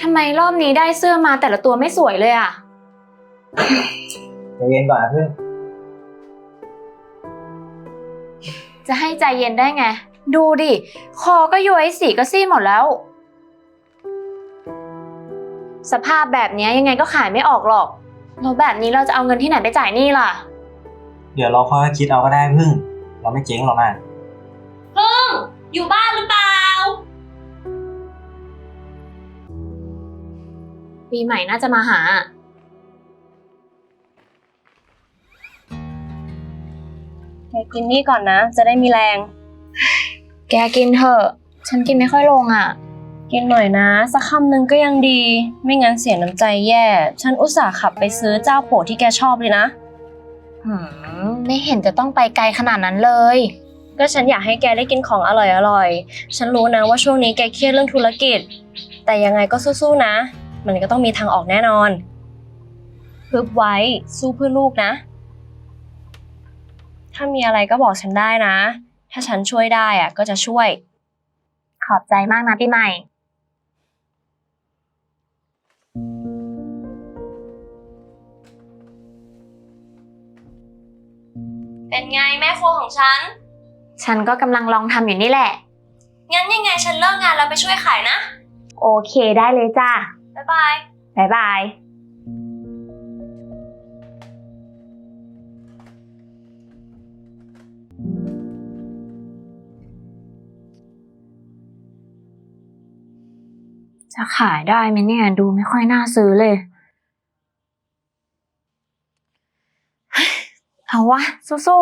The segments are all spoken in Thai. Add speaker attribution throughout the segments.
Speaker 1: ทำไมรอบนี้ได้เสื้อมาแต่ละตัวไม่สวยเลยอ่ะ
Speaker 2: ใจเย็นก่อนนะเพื่อน
Speaker 1: จะให้ใจเย็นได้ไงดูดิคอก็ย้วยสีก็ซีดหมดแล้วสภาพแบบนี้ยังไงก็ขายไม่ออกหรอกแล้วแบบนี้เราจะเอาเงินที่ไหนไปจ่ายหนี้ล่ะ
Speaker 2: เดี๋ยวเราค่อยคิดเอาก็ได้พึ่งเราไม่เจ๊งหรอกนะ
Speaker 1: พึ่งอยู่บ้านหรือเปล่าปีใหม่น่าจะมาหา
Speaker 3: แกกินนี่ก่อนนะจะได้มีแรง
Speaker 1: แกกินเถอะฉันกินไม่ค่อยลงอ่ะ
Speaker 3: กินหน่อยนะสักคำหนึ่งก็ยังดีไม่งั้นเสียน้ำใจแย่ฉันอุตส่าห์ขับไปซื้อเจ้าโปรดที่แกชอบเลยนะ
Speaker 1: ไม่เห็นจะต้องไปไกลขนาดนั้นเลย
Speaker 3: ก็ฉันอยากให้แกได้กินของอร่อยๆฉันรู้นะว่าช่วงนี้แกเครียดเรื่องธุรกิจแต่ยังไงก็สู้ๆนะมันก็ต้องมีทางออกแน่นอนฮึบไว้สู้เพื่อลูกนะถ้ามีอะไรก็บอกฉันได้นะถ้าฉันช่วยได้อะก็จะช่วย
Speaker 1: ขอบใจมากนะปีใหม่
Speaker 3: เป็นไงแม่ครัวของ
Speaker 1: ฉันก็กำลังลองทำอยู่นี่แหละ
Speaker 3: งั้นยังไงฉันเลิกงานแล้วไปช่วยขายนะ
Speaker 1: โอเคได้เลยจ้า
Speaker 3: บ๊ายบาย
Speaker 1: บ๊ายบายจะขายได้ไหมเนี่ยดูไม่ค่อยน่าซื้อเลยเอาวะสู้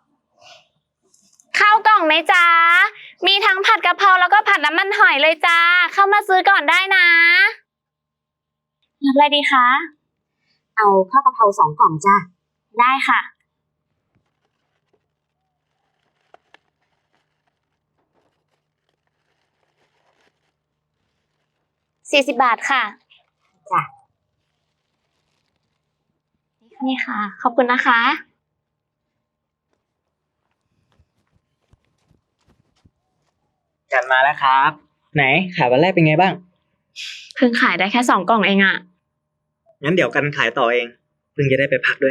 Speaker 1: ๆข้าวกล่องไหมจ๊ะมีทั้งผัดกะเพราแล้วก็ผัดน้ำมันหอยเลยจ้าเข้ามาซื้อก่อนได้นะรับอะไรดีคะ
Speaker 4: เอาข้าวกะเพรา2 กล่องจ้ะ
Speaker 1: ได้ค่ะ40 บาทค่ะ
Speaker 4: จ้ะ
Speaker 1: นี่ค่ะขอบคุณนะคะ
Speaker 2: จัดมาแล้วครับไหนขายวันแรกเป็นไงบ้าง
Speaker 1: เพิ่งขายได้แค่2 กล่องเองอะ
Speaker 2: งั้นเดี๋ยวกันขายต่อเองเพิ่งจะได้ไปพักด้วย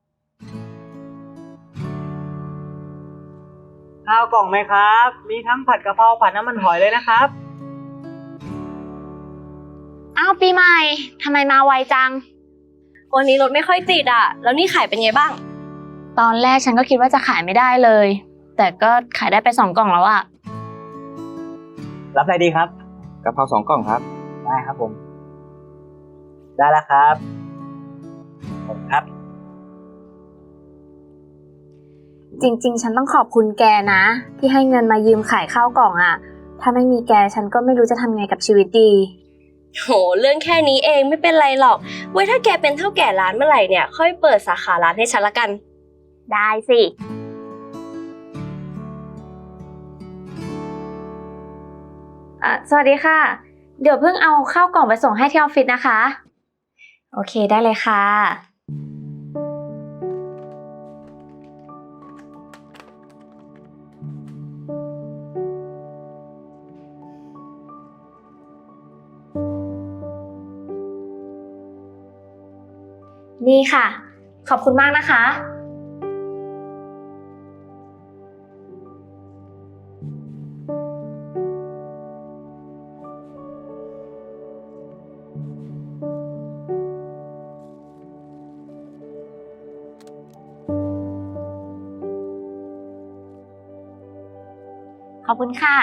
Speaker 2: ข้าวกล่องไหมครับมีทั้งผัดกะเพราผัดน้ำมันหอยเลยนะครับ
Speaker 1: อ้าวปีใหม่ทำไมมาไวจัง
Speaker 3: วันนี้รถไม่ค่อยติดอ่ะแล้วนี่ขายเป็นไงบ้าง
Speaker 1: ตอนแรกฉันก็คิดว่าจะขายไม่ได้เลยแต่ก็ขายได้ไป2 กล่องแล้วอะ
Speaker 2: รับอะไรดีครับ
Speaker 5: กะเพรา2 กล่องครับ
Speaker 2: ได้ครับผมได้แล้วครับขอบคุณครับ
Speaker 1: จริงๆฉันต้องขอบคุณแกนะที่ให้เงินมายืมขายข้าวกล่องอะถ้าไม่มีแกฉันก็ไม่รู้จะทำไงกับชีวิตดี
Speaker 3: โหเรื่องแค่นี้เองไม่เป็นไรหรอกไว้ถ้าแกเป็นเท่าแก่ร้านเมื่อไหร่เนี่ยค่อยเปิดสาขาร้านให้ฉันละกัน
Speaker 1: ได้สิสวัสดีค่ะเดี๋ยวเพิ่งเอาข้าวกล่องไปส่งให้ที่ออฟฟิศนะคะโอเคได้เลยค่ะนี่ค่ะขอบคุณมากนะคะขอบคุณค่ะ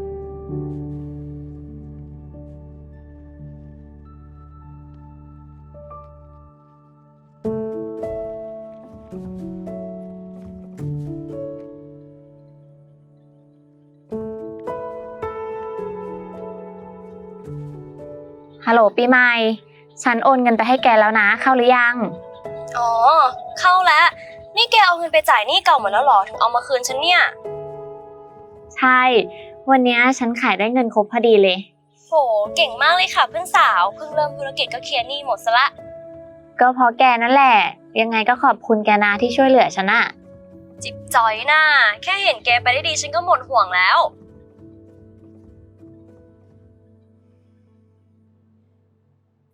Speaker 1: ฮัลโหลปีใหม่ฉันโอนเงินไปให้แกแล้วนะเข้าหรือยัง
Speaker 3: อ๋อเข้าแล้วนี่แกเอาเงินไปจ่ายหนี้เก่าหมดแล้วหรอถึงเอามาคืนฉันเนี่ย
Speaker 1: ใช่วันนี้ฉันขายได้เงินครบพอดีเลย
Speaker 3: โหเก่งมากเลยค่ะเพื่อนสาวเพิ่งเริ่มธุรกิจก็เคลียร์หนี้หมดซะละ
Speaker 1: ก็เพราะแกนั่นแหละยังไงก็ขอบคุณแกนะที่ช่วยเหลือฉันอะ
Speaker 3: จิบจอยน่ะแค่เห็นแกไปได้ดีฉันก็หมดห่วงแล้ว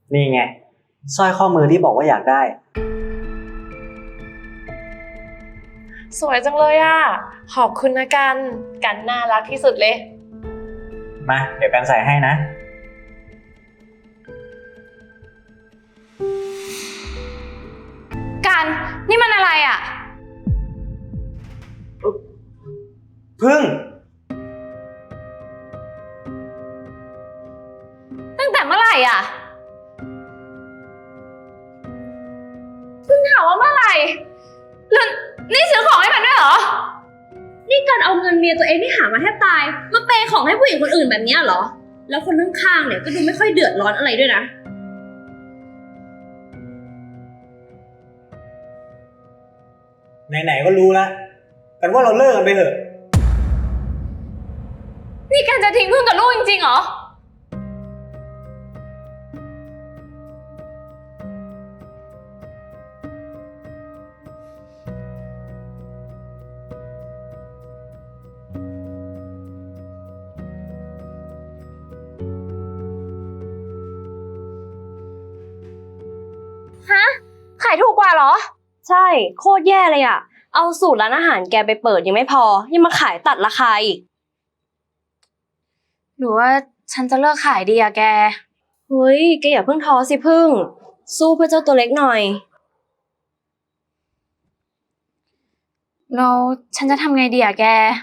Speaker 2: นี่ไงสร้อยข้อมือที่บอกว่าอยากได้
Speaker 5: สวยจังเลยอ่ะ ขอบคุณนะกัน กันน่ารักที่สุดเลย
Speaker 2: มา เดี๋ยวกันใส่ให้นะ
Speaker 1: กันนี่มันอะไรอ่ะ
Speaker 2: พึ่ง
Speaker 1: ตั้งแต่เมื่อไหร่อ่ะเพิ่งถามว่าเมื่อไหร่แล้วนี่ซื้อของให้มันด้วยเหรอ
Speaker 3: นี่การเอาเงินเมียตัวเองที่หามาแทบตายมาเปย์ของให้ผู้หญิงคนอื่นแบบนี้เหรอ แล้วคนข้างๆเนี่ยก็ดูไม่ค่อยเดือดร้อนอะไรด้วยนะ
Speaker 2: ไหนๆก็รู้แล้วกันว่าเราเลิกกันไปเถอะ
Speaker 1: นี่กันจะทิ้งพึ่งกับลูกจริงๆเหรอ ขายถูกกว่าเหรอ
Speaker 3: ใช่โคตรแย่เลยอะเอาสูตรร้านอาหารแกไปเปิดยังไม่พอ ยังมาขายตัดราคาอีก
Speaker 1: หรือว่าฉันจะเลิกขายดีอะแก
Speaker 3: เฮ้ยแกอย่าเพิ่งท้อสิพึ่ง สู้เพื่อเจ้าตัวเล็กหน่อย
Speaker 1: แล้วฉันจะทำไงดีอะแก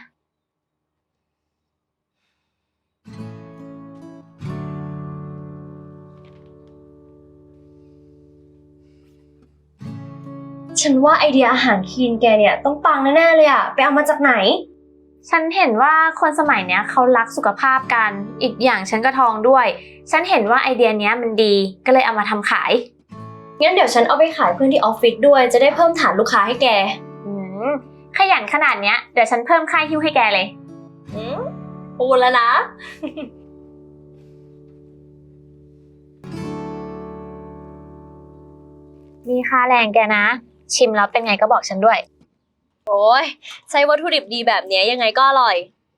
Speaker 3: ฉันว่าไอเดียอาหารคลีนแกเนี่ยต้องปังแน่ๆเลยอะไปเอามาจากไหน
Speaker 1: ฉันเห็นว่าคนสมัยเนี้ยเขารักสุขภาพกัน อีกอย่างฉันก็ท้องด้วย ฉันเห็นว่าไอเดียเนี้ยมันดี ก็เลยเอามาทำขาย
Speaker 3: งั้นเดี๋ยวฉันเอาไปขายเพื่อนที่ออฟฟิศด้วยจะได้เพิ่มฐานลูกค้าให้แก
Speaker 1: อืมขยันขนาดเนี้ย เดี๋ยวฉันเพิ่มค่าหิ้วให้แกเลย
Speaker 3: ปูแล้วนะ
Speaker 1: มีค่าแรงแกนะ ชิมแล้วเป็นไงก็บอกฉันด้วย
Speaker 3: โอ้ยใช้วัตถุดิบดีแบบนี้ยังไงก็อร่อย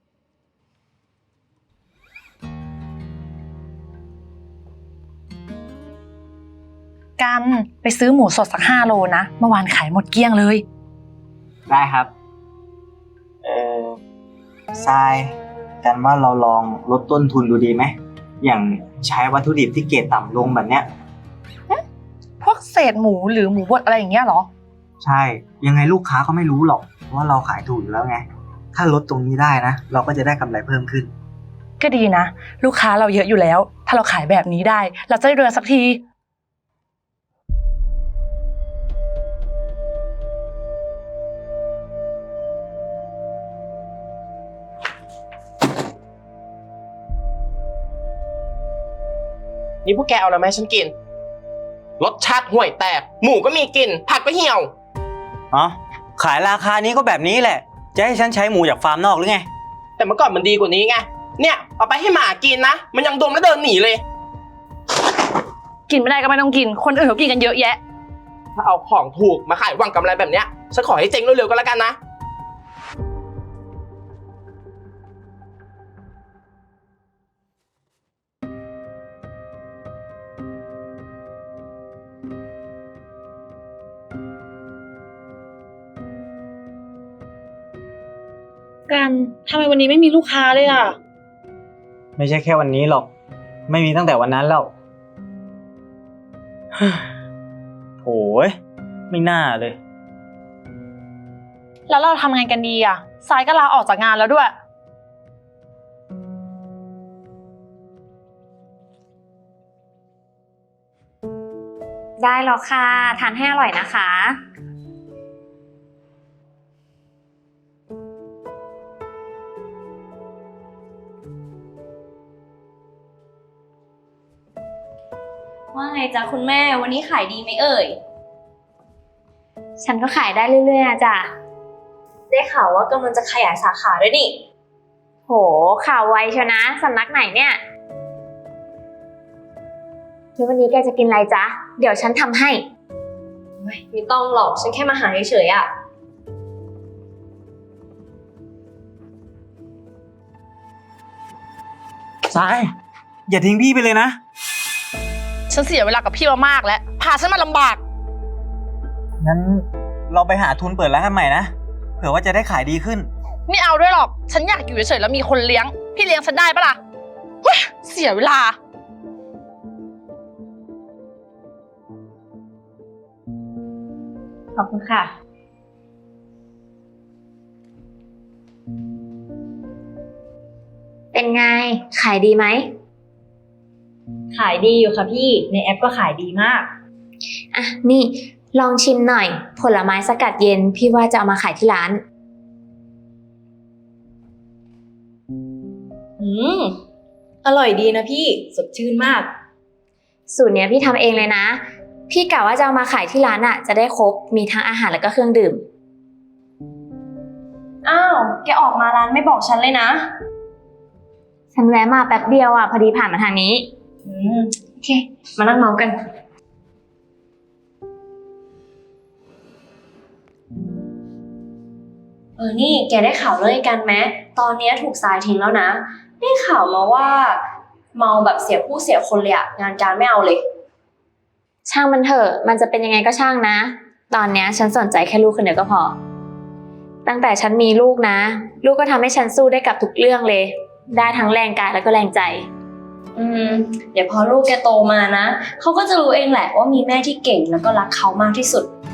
Speaker 5: กันไปซื้อหมูสดสัก5 โลนะ เมื่อวานขายหมดเกลี้ยงเลย
Speaker 2: ได้ครับ ทรายกันว่าเราลองลดต้นทุนดูดีไหม อย่างใช้วัตถุดิบที่เกรดต่ำลงแบบเนี้ย
Speaker 5: พวกเศษหมูหรือหมูบดอะไรอย่างเงี้ยเหรอ
Speaker 2: ใช่ ยังไงลูกค้าก็ไม่รู้หรอกว่าเราขายถูกอยู่แล้วไง ถ้าลดตรงนี้ได้นะ เราก็จะได้กำไรเพิ่มขึ้น
Speaker 5: ก็ดีนะ ลูกค้าเราเยอะอยู่แล้ว ถ้าเราขายแบบนี้ได้ เราจะได้รวยสักที
Speaker 6: นี่พวกแกเอาอะไรมาให้ฉันกิน รสชาติห่วยแตก หมูก็มีกลิ่นผักก็เหี่ยว
Speaker 2: อ๋อ ขายราคานี้ก็แบบนี้แหละ จะให้ฉันใช้หมูจากฟาร์มนอกหรือไง
Speaker 6: แต่เมื่อก่อนมันดีกว่านี้ไง เนี่ยเอาไปให้หมากินนะ มันยังดมแล้วเดินหนีเลย
Speaker 5: กินไม่ได้ก็ไม่ต้องกิน คนอื่นเขากินกันเยอะแยะ
Speaker 6: ถ้าเอาของถูกมาขายหวังกำไรแบบเนี้ยฉันขอให้เจ๊งเร็วๆก็แล้วกันนะ
Speaker 5: กันทำไมวันนี้ไม่มีลูกค้าเลยอ่ะ
Speaker 2: ไม่ใช่แค่วันนี้หรอก ไม่มีตั้งแต่วันนั้นแล้ว โถ่ไม่น่าเลย
Speaker 5: แล้วเราทำไงกันดีอ่ะสายก็ลาออกจากงานแล้วด้วย
Speaker 1: ได้แล้วค่ะ ทานให้อร่อยนะคะ
Speaker 3: ว่าไงจ๊ะคุณแม่วันนี้ขายดีไหมเอ่ย
Speaker 1: ฉันก็ขายได้เรื่อยๆอะจ้ะ
Speaker 3: ได้ข่าวว่ากำลังจะขยายสาขาด้วยนี่
Speaker 1: โห ข่าวไวเชียวนะ สำนักไหนเนี่ยแล้ววันนี้แกจะกินอะไรจ๊ะ เดี๋ยวฉันทำให้
Speaker 3: ไม่ต้องหรอก ฉันแค่มาหาเฉยๆอะ
Speaker 2: ทราย อย่าทิ้งพี่ไปเลยนะ
Speaker 5: ฉั
Speaker 7: ฉันเสียเวลากับพี่มามากแล้ว พาฉันมาลำบาก
Speaker 2: งั้นเราไปหาทุนเปิดร้านกันใหม่นะ เผื่อว่าจะได้ขายดีขึ้น
Speaker 7: ไม่เอาด้วยหรอก ฉันอยากอยู่เฉยๆแล้วมีคนเลี้ยง พี่เลี้ยงฉันได้ปะล่ะเฮ้ยเสียเวลา
Speaker 1: ขอบคุณค่ะ เป็นไง ขายดีไหม
Speaker 3: ขายดีอยู่ค่ะพี่ ในแอปก็ขายดีมาก
Speaker 1: อ่ะ นี่ลองชิมหน่อย ผลไม้สกัดเย็น พี่ว่าจะเอามาขายที่ร้าน
Speaker 3: อร่อยดีนะพี่ สดชื่นมาก
Speaker 1: สูตรเนี้ยพี่ทำเองเลยนะ พี่กะว่าจะเอามาขายที่ร้านอ่ะ จะได้ครบ มีทั้งอาหารแล้วก็เครื่องดื่ม
Speaker 3: อ้าว แกออกมาร้านไม่บอกฉันเลยนะ
Speaker 1: ฉันแวะมาแป๊บเดียวอ่ะ พอดีผ่านมาทางนี้ โอเค มานั่งเมาส์กัน
Speaker 3: นี่แกได้ข่าวเรื่องไอ้กันไหมตอนเนี้ยถูกทรายทิ้งแล้วนะ ได้ข่าวมาว่า เมาแบบเสียผู้เสียคนเลยอะงานการไม่เอาเลย
Speaker 1: ช่างมันเถอะ มันจะเป็นยังไงก็ช่างนะ ตอนเนี้ยฉันสนใจแค่ลูกคนเดียวก็พอ ตั้งแต่ฉันมีลูกนะ ลูกก็ทำให้ฉันสู้ได้กับทุกเรื่องเลย ได้ทั้งแรงกายแล้วก็แรงใจ
Speaker 3: เดี๋ยวพอลูกแกโตมานะ เขาก็จะรู้เองแหละว่ามีแม่ที่เก่งแล้วก็รักเขามากที่สุด